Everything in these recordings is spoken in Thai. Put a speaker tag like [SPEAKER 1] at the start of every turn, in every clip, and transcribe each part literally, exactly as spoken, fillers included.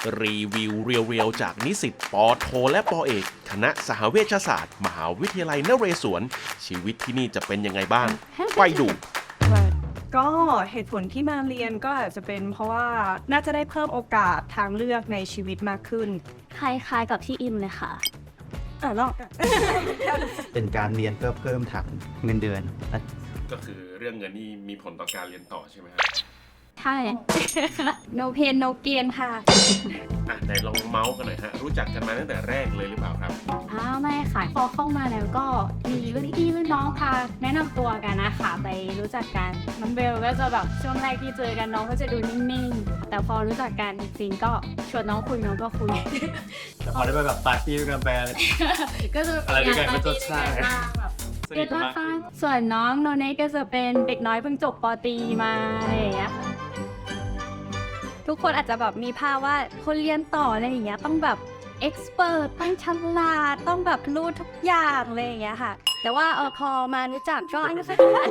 [SPEAKER 1] รีวิวเรียวๆจากนิสิตปอโทและปอเอกคณะสหเวชศาสตร์มหาวิทยาลัยนเรศวรชีวิตที่นี่จะเป็นยังไงบ้างไปดู
[SPEAKER 2] ก็เหตุผลที่มาเรียนก็อาจจะเป็นเพราะว่าน่าจะได้เพิ่มโอกาสทางเลือกในชีวิตมากขึ้น
[SPEAKER 3] คล้ายๆกับที่อิมเลยค่ะ
[SPEAKER 2] อ่ะลอง
[SPEAKER 4] เป็นการเรียนเพื่อเพิ่มฐานเงินเดือน
[SPEAKER 1] ก็คือเรื่องเงินนี่มีผลต่อการเรียนต่อใช่ไหมครับ
[SPEAKER 3] ใช่ no pain no gain ค่ะ
[SPEAKER 1] อ่ะไหนลองเมาส์กันหน่อยฮะรู้จักกันมาตั้งแต่แรกเลยหรือเปล่าครับ
[SPEAKER 3] อ้าวไม่ค่ะพอเข้ามาแล้วก็มีรุ่นพี่รุ่นน้องพาแนะนำตัวกันนะคะไปรู้จักกันน้องเบลก็จะแบบช่วงแรกที่เจอกันน้องก็จะดูนิ่งๆแต่พอรู้จักกันจริงๆก็ชวนน้องคุยน้องก็คุย
[SPEAKER 4] แต่พอได้ไปแบบปาร์ตี้กันแบร
[SPEAKER 3] ก็จะ
[SPEAKER 4] อะไรด้วยกันก็จะใช่
[SPEAKER 3] เด็กมากส่วนน้องโนเนก็จะเป็นเด็กน้อยเพิ่งจบป.ตรีมาอะไรอย่างเงี้ยทุกคนอาจจะแบบมีภาพว่าคนเรียนต่ออะไรอย่างเงี้ยต้องแบบเอ็กซ์เพรสต้องฉลาดต้องแบบรู้ทุกอย่างอะไรอย่างเงี้ยค่ะแต่ว่าเออพอมารู้จักก็อันนี้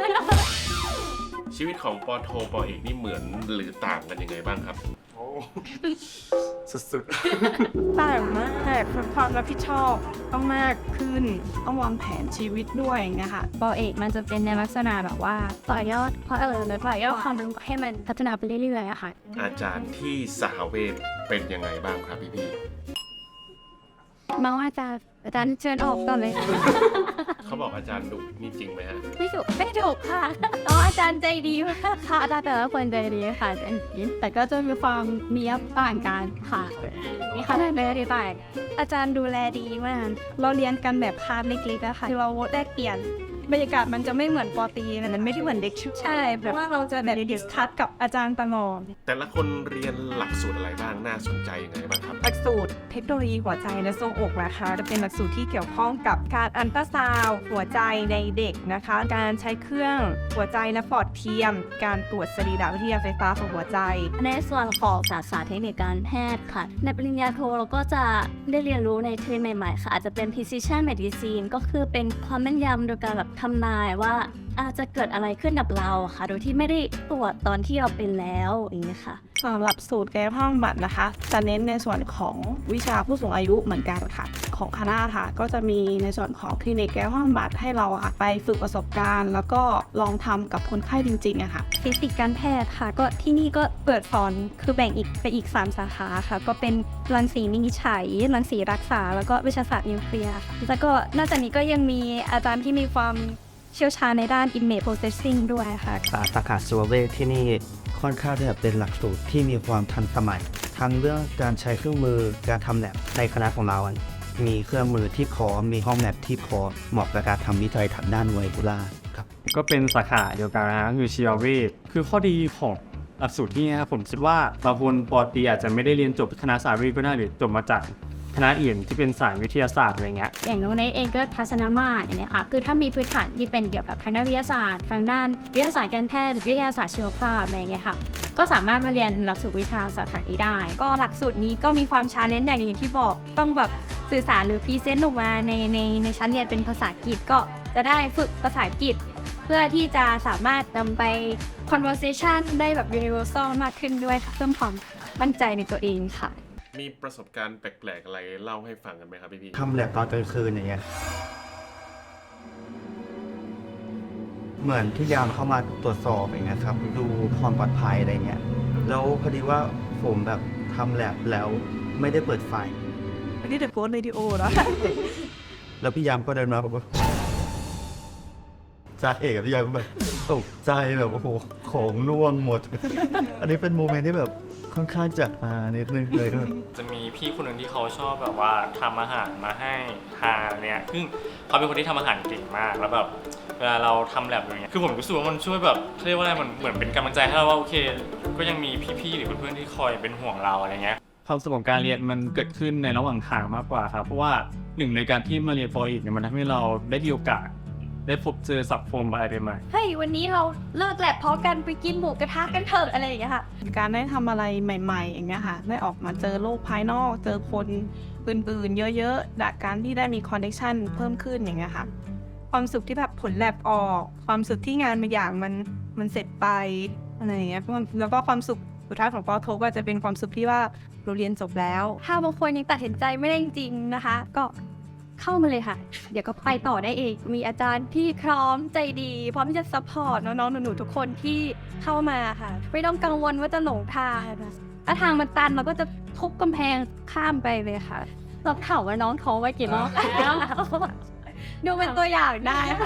[SPEAKER 1] ชีวิตของปอโทปอเอกนี่เหมือนหรือต่างกันยังไงบ้างครับโอ้
[SPEAKER 4] สุด
[SPEAKER 2] ๆต่างมากความรับผิดชอบต้องมากขึ้นต้องวางแผนชีวิตด้วยนะคะ
[SPEAKER 3] ปอเอกมันจะเป็นในลักษณะแบบว่าต่อยอดเพราะเออต่อยอดความรู้ให้มันพัฒนาไปเรื่อยๆอะค่ะ
[SPEAKER 1] อาจารย์ที่สหเวชเป็นยังไงบ้างครับพี่ๆ
[SPEAKER 3] มาว่าอาจารย์อาจารย์เชิญออกก่อนเลย
[SPEAKER 1] เขาบอกอาจารย์ดุนี่จริงไหมฮะ
[SPEAKER 3] ไม่ดุไม่ดุค่ะอ๋ออาจารย์ใจดีมากค่ะอาจารย์แต่ละคนใจดีค่ะแต่ก็จะมีความมีอัพต่างกันค่ะมีคะแนนเลยต่าง
[SPEAKER 2] อาจารย์ดูแลดีมากเราเรียนกันแบบคาบเล็กๆนะคะที่เราแลกเปลี่ยนบรรยากาศมันจะไม่เหมือนปอตีมันไม่ได้เหมือนเด็กชุดใช่แบบว่าเราจะแบบดิสคัสกับอาจารย์ตลอด
[SPEAKER 1] แต่ละคนเรียนหลักสูตรอะไรบ้างน่าสนใจยังไงบ้างครับ
[SPEAKER 2] หลักสูตรเทคโนโลยีหัวใจและทรวงอกนะคะจะเป็นหลักสูตรที่เกี่ยวข้องกับการอัลตราซาวด์หัวใจในเด็กนะคะการใช้เครื่องหัวใจและปอดเทียมการตรวจสรีรวิทยาไฟฟ้าของหัวใจ
[SPEAKER 3] ในส่วนของศาสตร์เทคนิคการแพทย์ค่ะในปริญญาโทเราก็จะได้เรียนรู้ในเทรนด์ใหม่ๆค่ะอาจจะเป็น precision medicine ก็คือเป็นความแม่นยำโดยการแบบทำนายว่าอาจจะเกิดอะไรขึ้นกับเราค่ะโดยที่ไม่ได้ตรวจตอนที่เราเป็นแล้วอย่างนี้ค่ะ
[SPEAKER 2] สำหรับสูตรกายภาพบำบัดนะคะจะเน้นในส่วนของวิชาผู้สูงอายุเหมือนกันค่ะของคณะค่ะก็จะมีในส่วนของคลินิกกายภาพบำบัดให้เราไปฝึกประสบการณ์แล้วก็ลองทำกับคนไข้จริงๆอะค่ะ
[SPEAKER 3] ฟิสิกส์การแพทย์ค่ะก็ที่นี่ก็เปิดสอนคือแบ่งอีกไปอีกสามสาขาค่ะก็เป็นรังสีวินิจฉัยรังสีรักษาแล้วก็วิชาศาสตร์นิวเคลียร์แล้วก็นอกจากนี้ก็ยังมีอาจารย์ที่มีความเชี่ยวชาญในด้าน image processing ด้วยค่ะ
[SPEAKER 4] สาขาสวเวชที่นี่ค่อนข้างจะเป็นหลักสูตรที่มีความทันสมัยทั้งเรื่องการใช้เครื่องมือการทำแลบในคณะของเรามีเครื่องมือที่พร้อมมีห้องแลบที่พร้อมเหมาะกับการทำวิจัยทางด้านไวรัสครับ
[SPEAKER 5] ก็เป็นสาขาเดียวกันนะคือชีวเวชคือข้อดีของหลักสูตรที่นี่ครับผมคิดว่าบางคนปอตรีอาจจะไม่ได้เรียนจบคณะสายวิทย์ก็ได้หรือจบมาจากคณะอื่นที่เป็นสายวิทยาศาสตร์อะไรเงี้ย
[SPEAKER 3] อย่างโน้นเองก็ทัศนมาตรอย่างเงี้ยค่ะคือถ้ามีพื้นฐานที่เป็นเกี่ยวกับทางด้านวิทยาศาสตร์ทางด้านวิทยาศาสตร์การแพทย์หรือวิทยาศาสตร์ชีวภาพอะไรเงี้ยค่ะก็สามารถมาเรียนหลักสูตรวิชาสาขานี้ได้ก็หลักสูตรนี้ก็มีความชาเลนจ์อย่างที่บอกต้องแบบสื่อสารหรือพรีเซนต์ออกมาในในในชั้นเรียนเป็นภาษาอังกฤษก็จะได้ฝึกภาษาอังกฤษเพื่อที่จะสามารถนำไป conversation ได้แบบ universal มากขึ้นด้วยเพิ่มความมั่นใจในตัวเองค่ะ
[SPEAKER 1] มีประสบการณ์แปลกๆอะไรเล่าให้ฟังกันไหมครับพี่พี่
[SPEAKER 4] ทำแลบตอนกลางคืนอย่างเงี้ยเหมือนที่ยามเข้ามาตรวจสอบอย่างเงี้ยครับดูความปลอดภัยอะไรเงี้ยแล้วพอดีว่าผมแบบทำแลบแล้วไม่ได้เปิดไฟ
[SPEAKER 2] ไม่ได้โพสต์วิดีโอนะ
[SPEAKER 4] แล้วพี่ยามก็เดินมาบอกว่าจ่าเอกกับพี่ยามก็แบบตกใจแบบโอ้โหของน่วงหมดอันนี้เป็นโมเมนต์ที่แบบค่อนข้างจัดมานิดนึงเลย
[SPEAKER 6] จะมีพี่คนหนึ่งที่เขาชอบแบบว่าทำอาหารมาให้ทานเนี่ยซึ่งเขาเป็นคนที่ทำอาหารเก่งมากแล้วแบบเวลาเราทำแลบอย่างเงี้ยคือผมรู้สึกว่ามันช่วยแบบเรียกว่าอะไรมันเหมือนเป็นกำลังใจให้เราว่าโอเคก็ยังมีพี่ๆหรือเพื่อนๆที่คอยเป็นห่วงเราอะไรเงี้ย
[SPEAKER 5] ความสนุกของการเรียนมันเกิดขึ้นในระหว่างทางมากกว่าครับเพราะว่าหนึ่งในการที่มาเรียนปออีกเนี่ยมันทำให้เราได้มีโอกาสได้พบเจอสังคมอะไรใหม่
[SPEAKER 3] เฮ้ยวันนี้เราเลิกแลบพร้อมกันไปกินหมูกระทะกันเถอะอะไรอย่างเงี้ยค่ะ
[SPEAKER 2] การได้ทำอะไรใหม่ๆอย่างเงี้ยค่ะได้ออกมาเจอโลกภายนอกเจอคนอื่นๆเยอะๆจากการที่ได้มีคอนเนคชั่นเพิ่มขึ้นอย่างเงี้ยค่ะความสุขที่แบบผลแลบออกความสุขที่งานบางอย่างมันมันเสร็จไปอะไรอย่างเงี้ยแล้วก็ความสุข
[SPEAKER 7] สุดท้ายของปอโทก็จะเป็นความสุขที่ว่าเราเรียนจบแล้ว
[SPEAKER 3] ถ้าบางคนยังตัดสินใจไม่ได้จริงๆนะคะ ก็เข้ามาเลยค่ะ เดี๋ยวก็ไปต่อได้เอง มีอาจารย์ที่พร้อมใจดี พร้อมที่จะซัพพอร์ตน้องๆหนูๆทุกคนที่เข้ามาค่ะ ไม่ต้องกังวลว่าจะหลงทางนะถ้าทางมันตันเราก็จะทุบกำแพงข้ามไปเลยค่ะเราข่าวว่าน้องท้องไว้กี่รอบแล้ว ดูเป็นตัวอย่างได้ค่ะ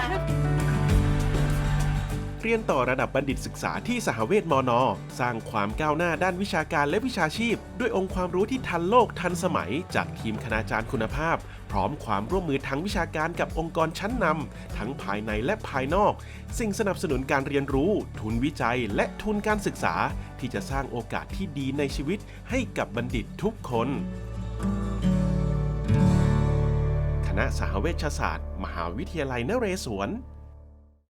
[SPEAKER 1] เรียนต่อระดับบัณฑิตศึกษาที่สหเวชมน สร้างความก้าวหน้าด้านวิชาการและวิชาชีพ ด้วยองค์ความรู้ที่ทันโลกทันสมัย จากทีมคณาจารย์คุณภาพ พร้อมความร่วมมือทางวิชาการกับองค์กรชั้นนำทั้งภายในและภายนอก สิ่งสนับสนุนการเรียนรู้ ทุนวิจัย และทุนการศึกษา ที่จะสร้างโอกาสที่ดีในชีวิตให้กับบัณฑิตทุกคน คณะสหเวชศาสตร์ มหาวิทยาลัยนเรศวร